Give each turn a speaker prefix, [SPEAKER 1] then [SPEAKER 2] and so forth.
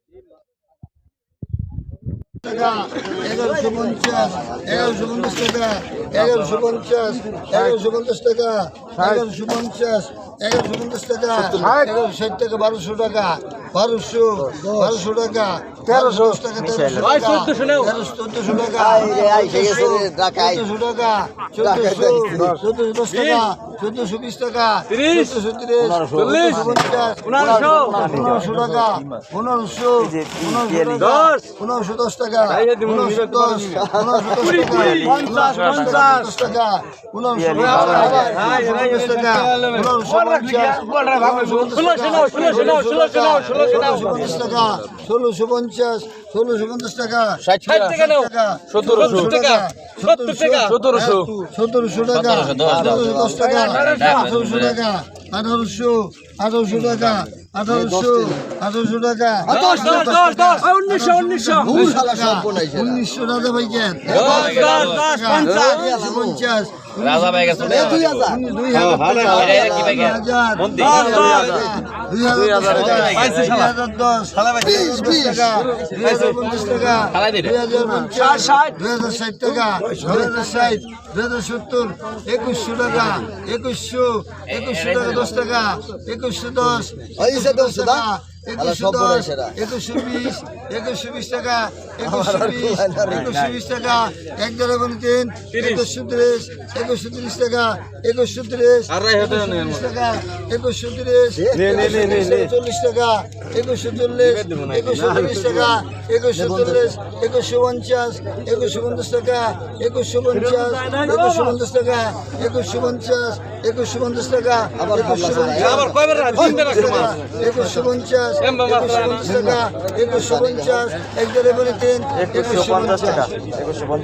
[SPEAKER 1] টাকা 1150 টাকা 1150 টাকা 1150 টাকা 1160 টাকা 1200 টাকা 1200 টাকা 1300 টাকা 1300 টাকা 1400 টাকা 1400 টাকা 1420 টাকা 1420 টাকা 1430 1550 টাকা 1510 টাকা 1510 টাকা 1650 টাকা
[SPEAKER 2] 60 টাকা নাও 1700 টাকা 70 টাকা
[SPEAKER 1] 1700 টাকা 10 টাকা 1800 টাকা 1800 টাকা 1800 টাকা
[SPEAKER 2] 1900
[SPEAKER 1] 1900 টাকা ভাই কেন 50
[SPEAKER 2] রাজা ভাই গেছে
[SPEAKER 1] 2000 2120 টাকা 2120 টাকা 11 2130 টাকা 2130 টাকা 2130 40 টাকা 2140 টাকা 2140 2150 টাকা 2150 টাকা 2150 টাকা
[SPEAKER 2] আবার কয়বার দিন রাখছো মা
[SPEAKER 1] 2150 টাকা 2150 11 2150 টাকা